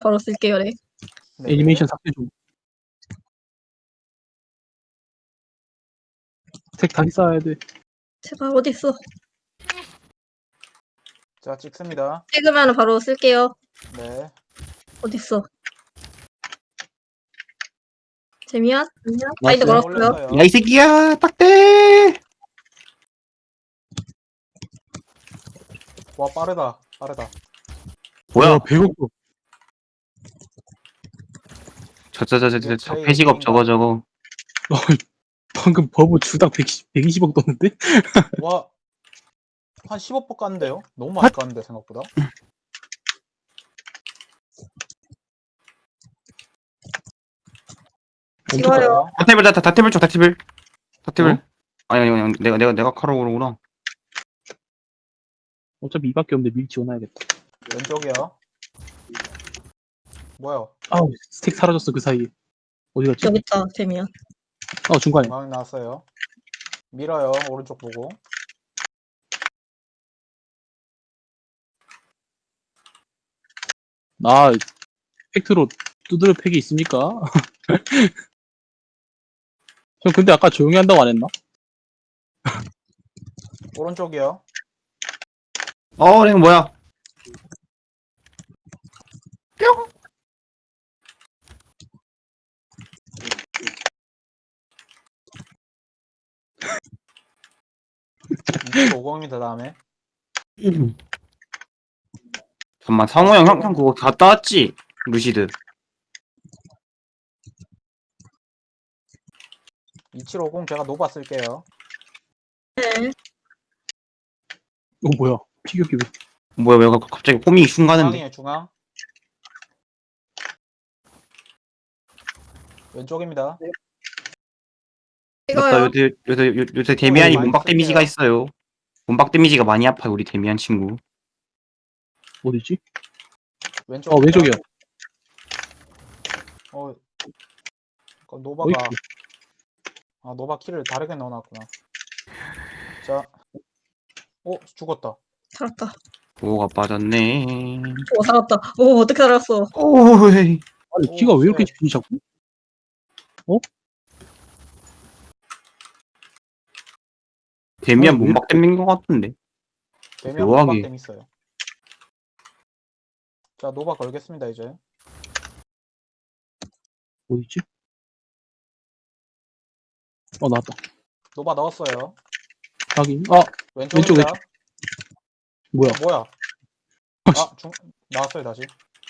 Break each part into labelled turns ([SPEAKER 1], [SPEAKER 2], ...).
[SPEAKER 1] 바로 쓸게요, 네.
[SPEAKER 2] 네.
[SPEAKER 3] 애니메이션 삭제 좀. 색 다시 쌓아야 돼.
[SPEAKER 1] 제발 어딨어?
[SPEAKER 2] 자, 찍습니다.
[SPEAKER 1] 찍으면 바로 쓸게요.
[SPEAKER 2] 네.
[SPEAKER 1] 어딨어? 재미야?
[SPEAKER 3] 나이스.
[SPEAKER 1] 바인드 걸었어요.
[SPEAKER 2] 올렸어요.
[SPEAKER 4] 야 이 새끼야 딱대.
[SPEAKER 2] 와, 빠르다. 빠르다.
[SPEAKER 4] 뭐야?
[SPEAKER 3] 배고프.
[SPEAKER 4] 저 회식업 저거.
[SPEAKER 3] 방금 버브 주당 120억 떴는데?
[SPEAKER 2] 와, 한 15% 깠는데요? 너무 많이 깠는데, 생각보다.
[SPEAKER 1] 찍어요.
[SPEAKER 4] 다테블 다테블 쪽 다테블.
[SPEAKER 3] 어?
[SPEAKER 4] 아니 내가 카로 오르구나.
[SPEAKER 3] 어차피 이밖에 없는데 밀 지원해야겠다.
[SPEAKER 2] 왼쪽이요. 뭐야?
[SPEAKER 3] 아우, 스택 사라졌어, 그 사이에. 어디 갔지?
[SPEAKER 1] 여기 있다, 재미야.
[SPEAKER 3] 중간에.
[SPEAKER 2] 중앙 나왔어요. 밀어요. 오른쪽 보고.
[SPEAKER 3] 팩트로 두드려 팩이 있습니까? 형, 근데 아까 조용히 한다고 안 했나?
[SPEAKER 2] 오른쪽이요.
[SPEAKER 4] 내가 뭐야?
[SPEAKER 2] 이쪽 50입니다, 다음에.
[SPEAKER 4] 잠깐만 상호 형 그거 갔다 왔지? 루시드.
[SPEAKER 2] 2750 제가 노바 쓸게요.
[SPEAKER 1] 네.
[SPEAKER 3] 뭐야. 피격이 왜.
[SPEAKER 4] 뭐야 왜 갑자기 호밍이 슝 가는데.
[SPEAKER 2] 중앙이에요, 중앙. 왼쪽입니다.
[SPEAKER 4] 맞다.
[SPEAKER 1] 찍어요.
[SPEAKER 4] 요새 데미안이
[SPEAKER 2] 많이
[SPEAKER 4] 몸박 데미지가 있어요. 몸박 데미지가 많이 아파요 우리 데미안 친구.
[SPEAKER 3] 어디지?
[SPEAKER 2] 왼쪽.
[SPEAKER 3] 왼쪽이요.
[SPEAKER 2] 노바가.
[SPEAKER 3] 어이쿠.
[SPEAKER 2] 노바 키를 다르게 넣어놨구나. 자. 죽었다.
[SPEAKER 1] 살았다.
[SPEAKER 4] 오가 빠졌네.
[SPEAKER 1] 오, 살았다. 오, 어떻게 살았어?
[SPEAKER 4] 오이.
[SPEAKER 3] 아니, 키가 왜 이렇게 지니 자꾸?
[SPEAKER 4] 데미안
[SPEAKER 3] 아니, 왜
[SPEAKER 4] 몸박 데미인 것 같은데.
[SPEAKER 2] 되면
[SPEAKER 4] 묘하게.
[SPEAKER 2] 노바 댐 있어요. 자, 노바 걸겠습니다, 이제.
[SPEAKER 3] 어디지? 나왔다.
[SPEAKER 2] 노바 넣었어요.
[SPEAKER 3] 확인.
[SPEAKER 2] 왼쪽입니다.
[SPEAKER 3] 뭐야.
[SPEAKER 2] 뭐야? 나왔어요, 다시.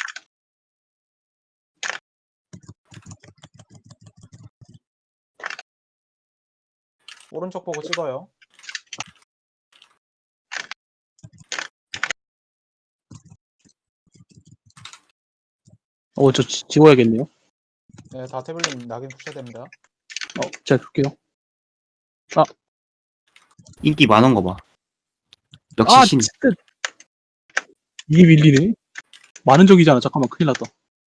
[SPEAKER 2] 오른쪽 보고 찍어요.
[SPEAKER 3] 저 지워야겠네요.
[SPEAKER 2] 네, 다 태블릿 낙인 푸셔야 됩니다.
[SPEAKER 3] 제가 줄게요.
[SPEAKER 4] 인기 많은 거 봐. 역시 신.
[SPEAKER 3] 진짜. 이게 밀리네? 많은 적이잖아. 잠깐만, 큰일 났다.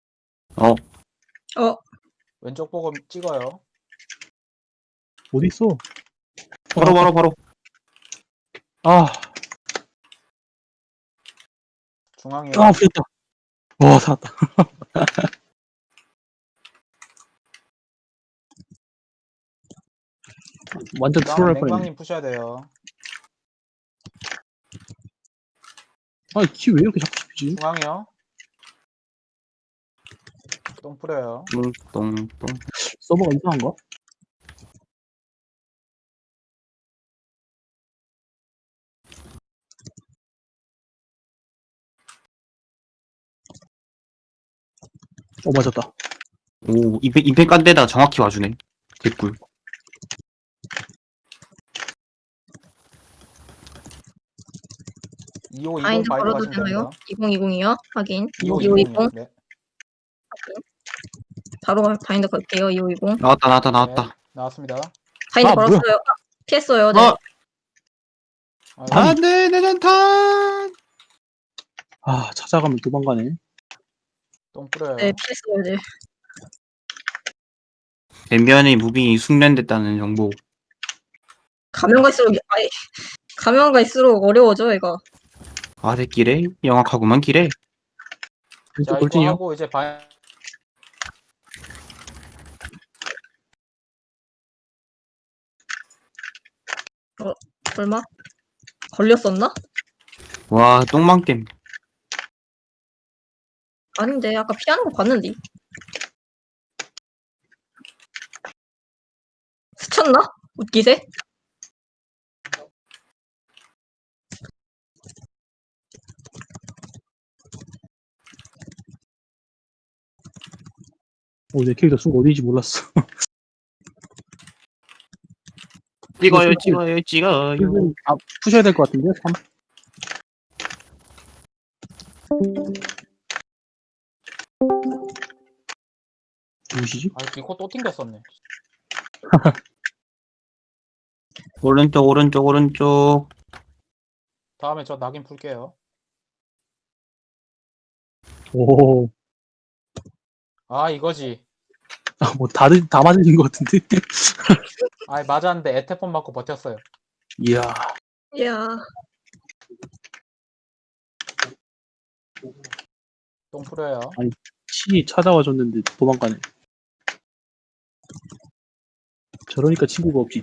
[SPEAKER 2] 왼쪽 보고 찍어요.
[SPEAKER 3] 어디 있어?
[SPEAKER 4] 바로.
[SPEAKER 2] 중앙이요.
[SPEAKER 3] 풀렸다. 와, 살았다. 완전 트롤 할 뻔했네.
[SPEAKER 2] 맹광님 푸셔야 돼요.
[SPEAKER 3] 키 왜 이렇게 자꾸 씹히지?
[SPEAKER 2] 중앙이요. 똥 뿌려요.
[SPEAKER 4] 똥.
[SPEAKER 3] 서버가 이상한가? 맞았다.
[SPEAKER 4] 오 임팩 깐 데다가 정확히 와주네. 개꿀.
[SPEAKER 1] 바인드
[SPEAKER 2] 바인드
[SPEAKER 1] 걸어도
[SPEAKER 2] 가시면
[SPEAKER 1] 되나요?
[SPEAKER 2] 됩니다.
[SPEAKER 1] 2020이요? 확인.
[SPEAKER 2] 2520.
[SPEAKER 1] 2520.
[SPEAKER 2] 네.
[SPEAKER 1] 바로 바인드 걸게요. 2520.
[SPEAKER 4] 나왔다.
[SPEAKER 2] 나왔습니다.
[SPEAKER 1] 바인드
[SPEAKER 3] 뭐야?
[SPEAKER 1] 걸었어요. 피했어요. 네.
[SPEAKER 4] 안돼 내 전탄.
[SPEAKER 3] 찾아가면 도망가네.
[SPEAKER 2] 똥 뿌려요.
[SPEAKER 1] 네, 피했어요. 네.
[SPEAKER 4] 데미안의 무빙이 숙련됐다는 정보.
[SPEAKER 1] 가면 갈수록 어려워져, 이거.
[SPEAKER 4] 새끼래 영악하구만 기래.
[SPEAKER 3] 왼쪽
[SPEAKER 2] 자, 이거
[SPEAKER 3] 돌진이요.
[SPEAKER 2] 하고 이제
[SPEAKER 1] 얼마? 걸렸었나?
[SPEAKER 4] 와, 똥망겜.
[SPEAKER 1] 아닌데 아까 피하는 거 봤는데. 스쳤나? 웃기세?
[SPEAKER 3] 내 캐릭터 순 어디인지 몰랐어.
[SPEAKER 4] 찍어요, 찍어요, 찍어요.
[SPEAKER 3] 푸셔야 될 것 같은데? 3. 누구시지?
[SPEAKER 2] 아, 니코 또 튕겼었네.
[SPEAKER 4] 오른쪽, 오른쪽, 오른쪽.
[SPEAKER 2] 다음에 저 낙인 풀게요.
[SPEAKER 3] 오,
[SPEAKER 2] 아, 이거지.
[SPEAKER 3] 뭐 다 맞으신 것 같은데?
[SPEAKER 2] 아, 맞았는데 에테폰 맞고 버텼어요.
[SPEAKER 3] 이야,
[SPEAKER 1] 이야.
[SPEAKER 2] 똥 풀어요.
[SPEAKER 3] 신이 찾아와 줬는데 도망가네. 저러니까 친구가 없지.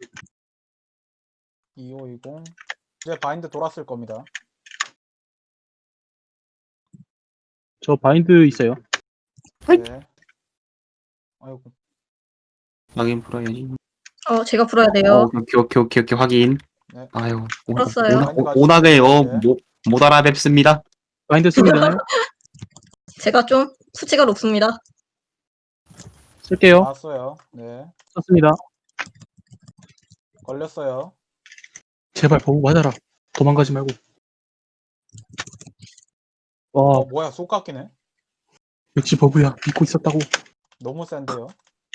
[SPEAKER 2] 2520. 이제 바인드 돌았을 겁니다.
[SPEAKER 3] 저 바인드 있어요.
[SPEAKER 2] 네. 아이고.
[SPEAKER 4] 확인 풀어야지.
[SPEAKER 1] 제가 풀어야 돼요.
[SPEAKER 4] 오케이, 확인.
[SPEAKER 2] 네.
[SPEAKER 4] 아유,
[SPEAKER 1] 풀었어요.
[SPEAKER 4] 오낙을
[SPEAKER 2] 네.
[SPEAKER 4] 못 알아뵙습니다.
[SPEAKER 3] 바인드 쓰면 되나요?
[SPEAKER 1] 제가 좀 수치가 높습니다.
[SPEAKER 3] 쓸게요.
[SPEAKER 2] 나왔어요. 네.
[SPEAKER 3] 썼습니다.
[SPEAKER 2] 걸렸어요.
[SPEAKER 3] 제발 버그 맞아라. 도망가지 말고. 와,
[SPEAKER 2] 뭐야, 쏙 깎이네.
[SPEAKER 3] 역시 버그야. 믿고 있었다고.
[SPEAKER 2] 너무 센데요.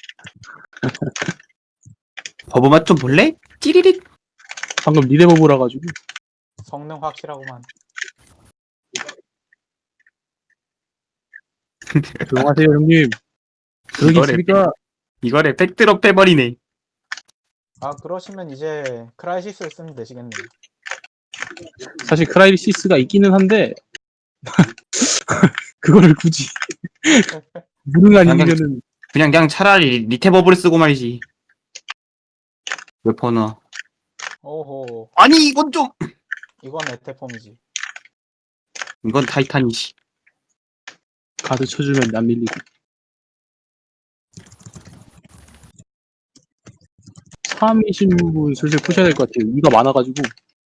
[SPEAKER 4] 버버맛 좀 볼래? 찌리릿.
[SPEAKER 3] 방금 리레 버그라 가지고.
[SPEAKER 2] 성능 확실하구만.
[SPEAKER 3] 조용하세요, 형님. 그러기
[SPEAKER 4] 이거를
[SPEAKER 3] 있습니까?
[SPEAKER 4] 이거를 팩트로 해버리네.
[SPEAKER 2] 아, 그러시면 이제 크라이시스를 쓰면 되시겠네요.
[SPEAKER 3] 사실 크라이시스가 있기는 한데 그거를 굳이 무능한
[SPEAKER 4] 그냥-
[SPEAKER 3] 인간은
[SPEAKER 4] 그냥 차라리 리테 버블을 쓰고 말이지. 웨퍼너.
[SPEAKER 2] 오호.
[SPEAKER 4] 아니 이건 좀.
[SPEAKER 2] 이건 에테폼이지.
[SPEAKER 4] 이건 타이탄이지.
[SPEAKER 3] 가드 쳐주면 안 밀리고. 3이신 분 슬슬 푸셔야 될 것 같아요. 이가 많아가지고.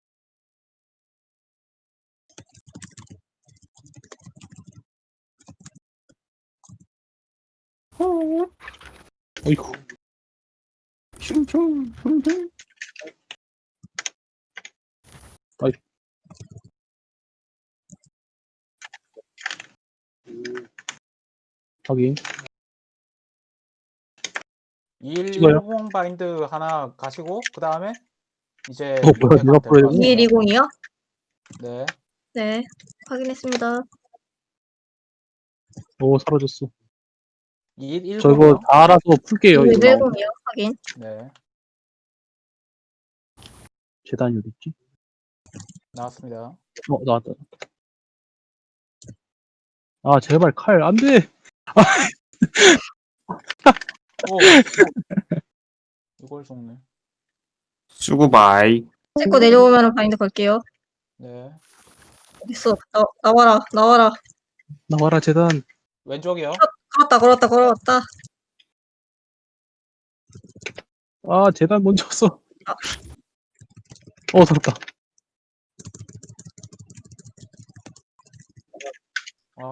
[SPEAKER 3] 어이구.
[SPEAKER 4] 슝슝.
[SPEAKER 3] 확인.
[SPEAKER 2] 2110 바인드 하나 가시고 그 다음에 이제
[SPEAKER 3] 뭐야, 내가 풀어야 되나?
[SPEAKER 1] 2120이요?
[SPEAKER 2] 네.
[SPEAKER 1] 네. 확인했습니다.
[SPEAKER 3] 오, 사라졌어.
[SPEAKER 2] 2110이요.
[SPEAKER 3] 저 이거 다 알아서 풀게요. 이거 나오면.
[SPEAKER 1] 2110이요? 확인.
[SPEAKER 2] 네.
[SPEAKER 3] 재단이 어딨지?
[SPEAKER 2] 나왔습니다.
[SPEAKER 3] 나왔다. 아, 제발 칼, 안 돼!
[SPEAKER 2] 오. 이걸 속네.
[SPEAKER 4] 수고바이.
[SPEAKER 1] 찍고 내려오면 바인드 걸게요.
[SPEAKER 2] 네.
[SPEAKER 1] 어딨어? 나와라. 나와라.
[SPEAKER 3] 나와라, 재단.
[SPEAKER 2] 왼쪽이요.
[SPEAKER 1] 걸었다.
[SPEAKER 3] 아, 재단 먼저 왔어. 살았다.
[SPEAKER 2] 아.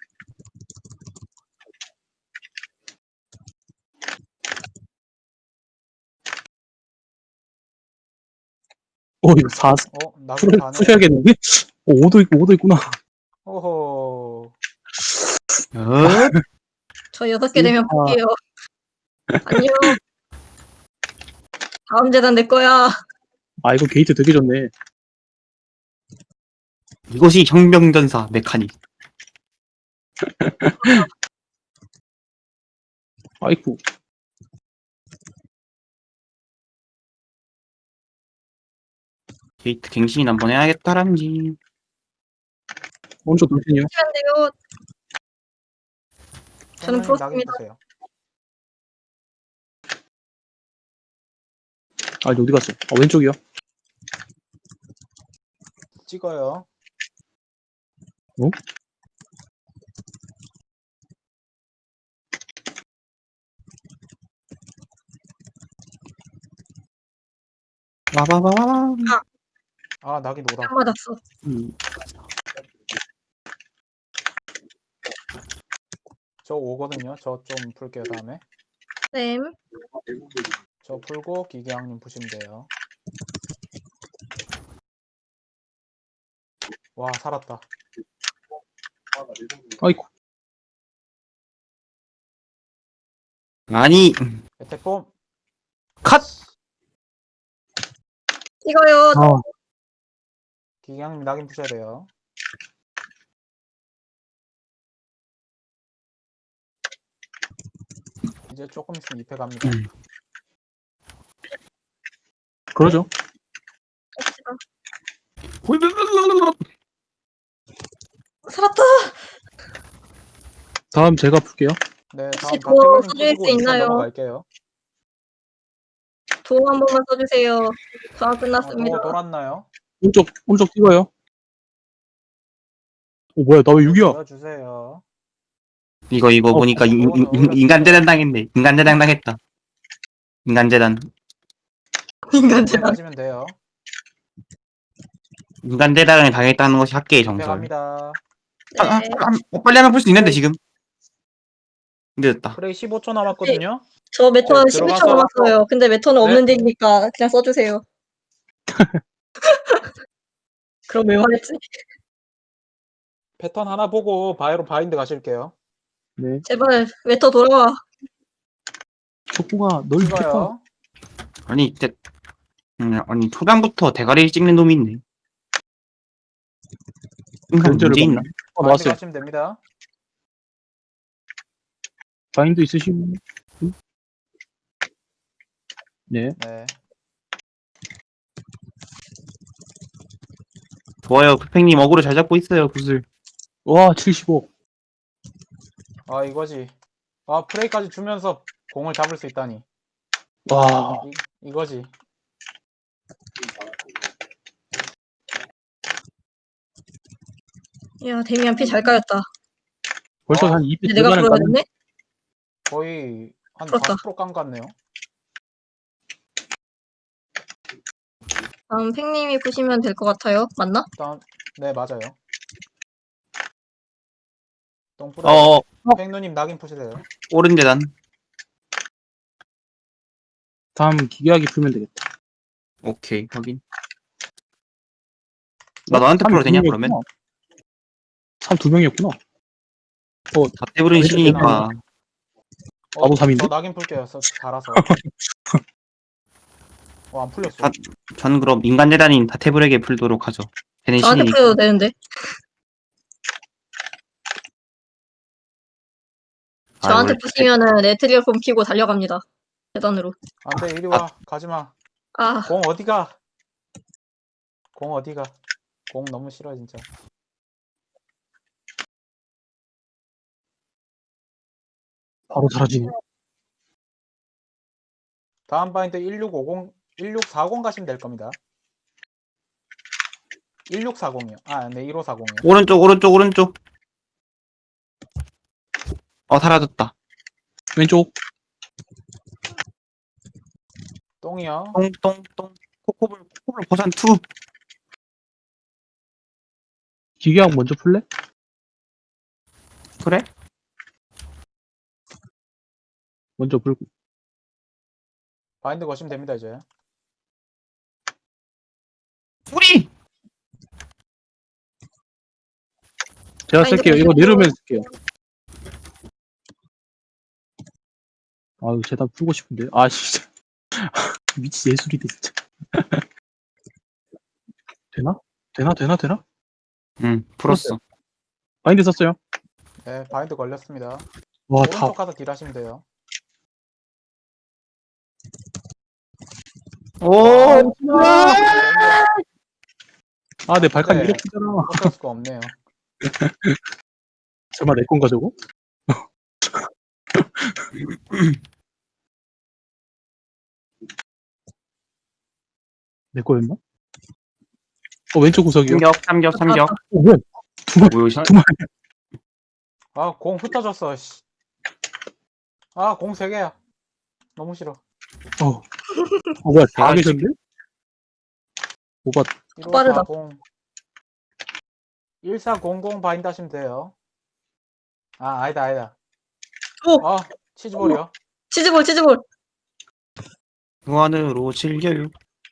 [SPEAKER 3] 이거 4,
[SPEAKER 2] 나도 가네.
[SPEAKER 3] 푸셔야겠는데? 5도 있구나.
[SPEAKER 2] 오호.
[SPEAKER 1] 저 6개 되면
[SPEAKER 3] 아.
[SPEAKER 1] 볼게요. 안녕. 다음 재단 내 거야.
[SPEAKER 3] 아, 이거 게이트 되게 좋네.
[SPEAKER 4] 이것이 혁명전사 메카닉.
[SPEAKER 3] 아이쿠.
[SPEAKER 4] 게이트 갱신 한번 해야겠다람지.
[SPEAKER 3] 오른쪽 돌진이요.
[SPEAKER 1] 하면 돼요. 저는
[SPEAKER 2] 생명님 낙인
[SPEAKER 1] 풀었습니다.
[SPEAKER 2] 보세요.
[SPEAKER 3] 아, 이제 어디 갔어? 아, 왼쪽이요.
[SPEAKER 2] 찍어요.
[SPEAKER 3] 어?
[SPEAKER 4] 와바바바.
[SPEAKER 2] 아, 낙인 오다.
[SPEAKER 1] 안 맞았어.
[SPEAKER 2] 저 오거든요. 저 좀 풀게요, 다음에.
[SPEAKER 1] 쌤.
[SPEAKER 2] 저 풀고 기계왕님 푸시면 돼요. 와, 살았다.
[SPEAKER 3] 아이고.
[SPEAKER 4] 아니,
[SPEAKER 2] 에테폼.
[SPEAKER 4] 컷!
[SPEAKER 1] 이거요.
[SPEAKER 3] 아,
[SPEAKER 2] 기계왕님 낙인 푸셔야 돼요. 이제 조금 있으면 2패 갑니다.
[SPEAKER 3] 그러죠.
[SPEAKER 1] 살았다.
[SPEAKER 3] 다음 제가 풀게요.
[SPEAKER 2] 네,
[SPEAKER 1] 혹시
[SPEAKER 2] 다음
[SPEAKER 1] 도움
[SPEAKER 2] 박태근님
[SPEAKER 1] 써줄 수
[SPEAKER 2] 푸시고 2편
[SPEAKER 1] 있나요?
[SPEAKER 2] 넘어갈게요.
[SPEAKER 1] 도움 한 번만 써주세요. 저항 끝났습니다.
[SPEAKER 2] 돌았나요?
[SPEAKER 3] 오른쪽 찍어요. 뭐야, 나 왜 6이야?
[SPEAKER 2] 보여주세요.
[SPEAKER 4] 이거 보니까 인간재단 당했네. 인간재단 당했다. 인간재단.
[SPEAKER 1] 인간재단.
[SPEAKER 2] 가시면 돼요.
[SPEAKER 4] 인간재단을 당했다는 것이 학계의
[SPEAKER 2] 2패
[SPEAKER 4] 정설.
[SPEAKER 2] 갑니다.
[SPEAKER 1] 네.
[SPEAKER 4] 빨리 하면 풀 수 있는데, 지금. 늦었다.
[SPEAKER 2] 프레이 15초 남았거든요.
[SPEAKER 1] 저 메턴
[SPEAKER 2] 네,
[SPEAKER 1] 12초
[SPEAKER 2] 들어가서-
[SPEAKER 1] 남았어요. 근데 메턴은
[SPEAKER 2] 네.
[SPEAKER 1] 없는 데니까 그냥 써주세요. 그럼 왜 말했지?
[SPEAKER 2] 패턴 하나 보고 바이로 바인드 가실게요.
[SPEAKER 3] 네.
[SPEAKER 1] 제발 메터 돌아와.
[SPEAKER 3] 촉구가 널 패턴.
[SPEAKER 2] 찍어요.
[SPEAKER 4] 아니, 진짜. 아니, 초반부터 대가리 찍는 놈이 있네. 인간
[SPEAKER 3] 문제를
[SPEAKER 4] 문제 있나?
[SPEAKER 2] 바인드
[SPEAKER 3] 나왔어요.
[SPEAKER 2] 가시면 됩니다.
[SPEAKER 3] 바인드 있으시면. 네.
[SPEAKER 2] 네.
[SPEAKER 4] 좋아요. 쿠팽님 어그로 잘 잡고 있어요, 굿을.
[SPEAKER 3] 와, 75.
[SPEAKER 2] 아, 이거지. 아, 프레이까지 주면서 공을 잡을 수 있다니.
[SPEAKER 3] 와,
[SPEAKER 2] 이거지.
[SPEAKER 1] 야, 데미안 피 잘 까였다.
[SPEAKER 3] 벌써
[SPEAKER 2] 아,
[SPEAKER 3] 한 2피
[SPEAKER 1] 근데 내가
[SPEAKER 3] 들어가는 거
[SPEAKER 1] 그러는데?
[SPEAKER 2] 거의 한
[SPEAKER 1] 풀었다.
[SPEAKER 2] 40%깐 것 같네요.
[SPEAKER 1] 다음 팽님이 푸시면 될 것 같아요. 맞나?
[SPEAKER 2] 일단 네, 맞아요. 똥뿌려.
[SPEAKER 4] 어,
[SPEAKER 2] 팽누님 낙인 푸시세요.
[SPEAKER 4] 오른 재단.
[SPEAKER 3] 다음 기계하기 풀면 되겠다.
[SPEAKER 4] 오케이, 확인. 나 너한테 풀어도 되냐, 그러면?
[SPEAKER 3] 3두 명이었구나.
[SPEAKER 4] 다 떼부린 신이니까.
[SPEAKER 3] 나도 3인데?
[SPEAKER 2] 저 낙인 풀게요. 달아서. 안 풀렸어.
[SPEAKER 4] 전 그럼 인간 재단인 다테블에게 풀도록 하죠. 걔는
[SPEAKER 1] 저한테
[SPEAKER 4] 신이니까.
[SPEAKER 1] 풀어도 되는데. 저한테
[SPEAKER 4] 원래
[SPEAKER 1] 푸시면은 네트리얼폼 키고 달려갑니다. 재단으로.
[SPEAKER 2] 안 돼, 이리 와. 가지마.
[SPEAKER 1] 아,
[SPEAKER 2] 공 어디가? 공 어디가? 공 너무 싫어, 진짜.
[SPEAKER 3] 바로 사라지네.
[SPEAKER 2] 다음 바인드 1650, 1640 가시면 될 겁니다. 1640이요. 아, 네, 1540이요.
[SPEAKER 4] 오른쪽. 사라졌다.
[SPEAKER 3] 왼쪽.
[SPEAKER 2] 똥이요.
[SPEAKER 4] 똥. 코코볼 버전 2.
[SPEAKER 3] 기계학 먼저 풀래?
[SPEAKER 4] 그래?
[SPEAKER 3] 먼저 풀고.
[SPEAKER 2] 바인드 거시면 됩니다, 이제.
[SPEAKER 4] 우리!
[SPEAKER 3] 제가
[SPEAKER 1] 바인드
[SPEAKER 3] 쓸게요. 이거
[SPEAKER 1] 풀고.
[SPEAKER 3] 내려오면 쓸게요. 아유, 재단 풀고 싶은데. 아, 진짜. 미치 예술이다, 진짜. 되나?
[SPEAKER 4] 응, 풀었어.
[SPEAKER 3] 바인드 썼어요.
[SPEAKER 2] 네, 바인드 걸렸습니다.
[SPEAKER 3] 와, 다.
[SPEAKER 2] 오른쪽 가서 딜하시면 돼요.
[SPEAKER 4] 오!
[SPEAKER 3] 아, 내 발칸
[SPEAKER 2] 네.
[SPEAKER 3] 이렇게 잖아.
[SPEAKER 2] 어쩔 수가 없네요.
[SPEAKER 3] 설마 내 건가, 저거? 내 거였나? 왼쪽 구석이요.
[SPEAKER 4] 삼격.
[SPEAKER 3] 뭐야?
[SPEAKER 4] 뭐야, 샷?
[SPEAKER 2] 아, 공 흩어졌어, 씨. 아, 공 3개야. 너무 싫어.
[SPEAKER 3] 뭐야? 다
[SPEAKER 4] 대가리
[SPEAKER 3] 계셨네? 오바,
[SPEAKER 1] 빠르다.
[SPEAKER 2] 1400 바인드 하시면 돼요. 아, 아니다.
[SPEAKER 1] 오!
[SPEAKER 2] 아, 치즈볼이요.
[SPEAKER 1] 치즈볼.
[SPEAKER 4] 무한으로 즐겨요.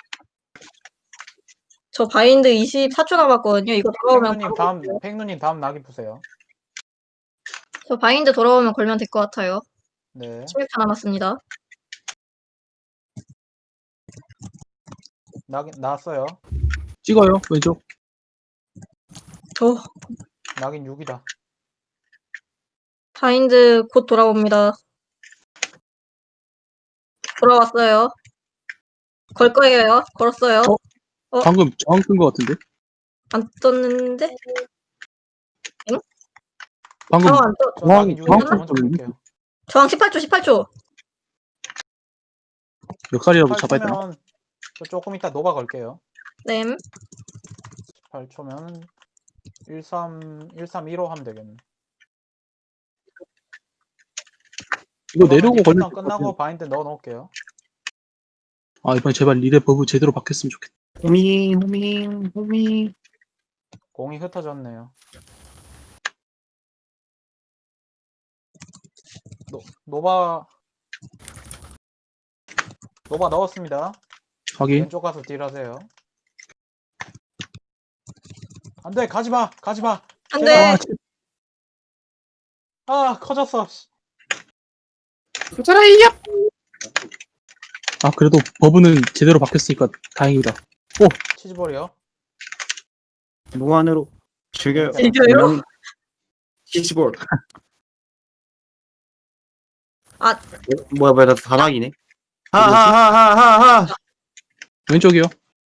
[SPEAKER 1] 저 바인드 24초 남았거든요. 이거 돌아오면
[SPEAKER 2] 팽누님 다음 낙이 보세요.
[SPEAKER 1] 저 바인드 돌아오면 걸면 될 것 같아요.
[SPEAKER 2] 네.
[SPEAKER 1] 16초 남았습니다.
[SPEAKER 2] 나왔어요.
[SPEAKER 3] 찍어요. 왼쪽.
[SPEAKER 1] 저
[SPEAKER 2] 낙인 6이다.
[SPEAKER 1] 바인드 곧 돌아옵니다. 돌아왔어요. 걸 거예요. 걸었어요.
[SPEAKER 3] 방금 저항 뜬거 같은데?
[SPEAKER 1] 안 떴는데?
[SPEAKER 3] 방금
[SPEAKER 1] 저항 안 떴.
[SPEAKER 2] 저
[SPEAKER 3] 저항,
[SPEAKER 2] 낙인 6
[SPEAKER 3] 저항
[SPEAKER 2] 먼저
[SPEAKER 3] 떴거든요.
[SPEAKER 2] 볼게요.
[SPEAKER 1] 저항 18초.
[SPEAKER 3] 역살이라도 잡아야 되나?
[SPEAKER 2] 8초면 조금 이따 노바 걸게요.
[SPEAKER 1] 네.
[SPEAKER 2] 8초면 1315 하면 되겠네.
[SPEAKER 3] 이거 내려오고
[SPEAKER 2] 이번
[SPEAKER 3] 걸릴
[SPEAKER 2] 턴
[SPEAKER 3] 것
[SPEAKER 2] 끝나고
[SPEAKER 3] 같아요.
[SPEAKER 2] 바인드 넣어 놓을게요.
[SPEAKER 3] 아, 이번에 제발 리레 버브 제대로 바뀌었으면 좋겠다.
[SPEAKER 4] 호밍.
[SPEAKER 2] 공이 흩어졌네요. 노바 넣었습니다.
[SPEAKER 3] 확인.
[SPEAKER 2] 왼쪽 가서 딜하세요. 안돼, 가지마.
[SPEAKER 1] 안 돼.
[SPEAKER 3] 아,
[SPEAKER 2] 아, 커졌어. 씨.
[SPEAKER 4] 괜찮아, 이겨!
[SPEAKER 3] 그래도 버브는 제대로 바뀌었으니까 다행이다.
[SPEAKER 2] 치즈볼이요.
[SPEAKER 4] 무한으로 즐겨요.
[SPEAKER 1] 즐겨요?
[SPEAKER 4] 치즈볼.
[SPEAKER 1] 아.
[SPEAKER 4] 뭐야, 나 사막이네. 하하하하하.
[SPEAKER 3] 왼쪽이요.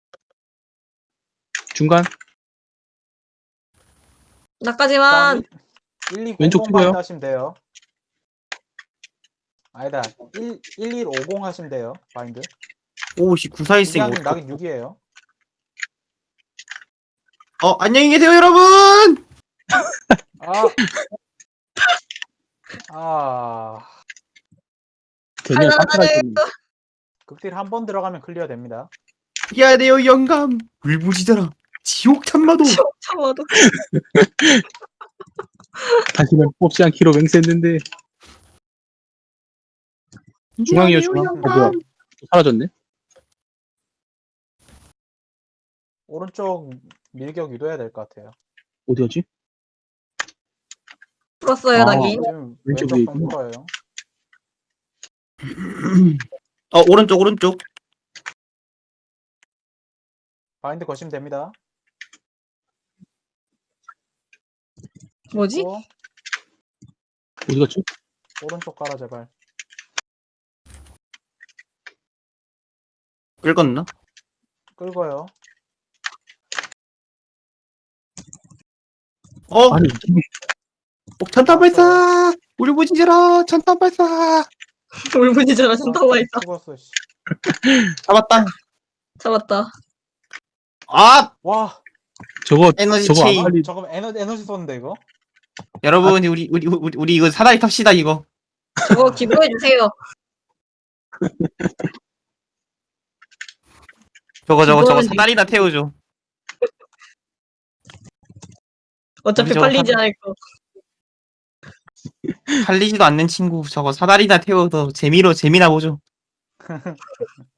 [SPEAKER 3] 중간.
[SPEAKER 1] 나까지만.
[SPEAKER 2] 1200
[SPEAKER 3] 왼쪽 찍어요.
[SPEAKER 2] 바인드 하시면 돼요. 아니다. 1150 하시면 돼요. 바인드.
[SPEAKER 4] 오씨, 구사일생.
[SPEAKER 2] 이게 낙인 6이에요.
[SPEAKER 4] 안녕히 계세요, 여러분!
[SPEAKER 3] 걔네 상태가
[SPEAKER 1] 할만하네.
[SPEAKER 3] 좀
[SPEAKER 2] 극딜 한 번 들어가면 클리어 됩니다.
[SPEAKER 4] 이겨야 돼요, 영감. 울부짖어라. 지옥 참마도.
[SPEAKER 1] 참아도.
[SPEAKER 3] 다시는 뽑지 않기로 맹세했는데 중앙이요, 중앙. 뭐야? 사라졌네.
[SPEAKER 2] 오른쪽 밀격 유도해야 될 것 같아요.
[SPEAKER 3] 어디였지?
[SPEAKER 1] 풀었어요,
[SPEAKER 3] 아.
[SPEAKER 1] 낙인.
[SPEAKER 2] 지금
[SPEAKER 3] 왼쪽
[SPEAKER 2] 왼쪽
[SPEAKER 3] 위에
[SPEAKER 2] 좀
[SPEAKER 3] 있구나.
[SPEAKER 2] 풀어요.
[SPEAKER 4] 오른쪽.
[SPEAKER 2] 바인드 거시면 됩니다.
[SPEAKER 1] 뭐지?
[SPEAKER 2] 또
[SPEAKER 3] 어디 갔지?
[SPEAKER 2] 오른쪽 가라 제발.
[SPEAKER 4] 끌었나?
[SPEAKER 2] 끌고요.
[SPEAKER 3] 아니,
[SPEAKER 4] 폭탄탄 발사! 울부짖어라! 천탄 발사!
[SPEAKER 1] 울분이잖아, 준다고 했다.
[SPEAKER 2] 죽었어. 씨.
[SPEAKER 4] 잡았다.
[SPEAKER 1] 잡았다.
[SPEAKER 2] 와,
[SPEAKER 3] 저거
[SPEAKER 4] 에너지
[SPEAKER 3] 저거
[SPEAKER 4] 체인.
[SPEAKER 3] 아칼리
[SPEAKER 2] 저거 에너지 쏘는데 이거?
[SPEAKER 4] 여러분, 우리 이거 사다리 탑시다, 이거.
[SPEAKER 1] 저거 기부해주세요.
[SPEAKER 4] 저거
[SPEAKER 1] 이거는
[SPEAKER 4] 사다리나 태워줘.
[SPEAKER 1] 어차피
[SPEAKER 4] 우리 저거
[SPEAKER 1] 팔리지 않을 거.
[SPEAKER 4] 팔리지도 않는 친구, 저거 사다리나 태워서 재미나 보죠.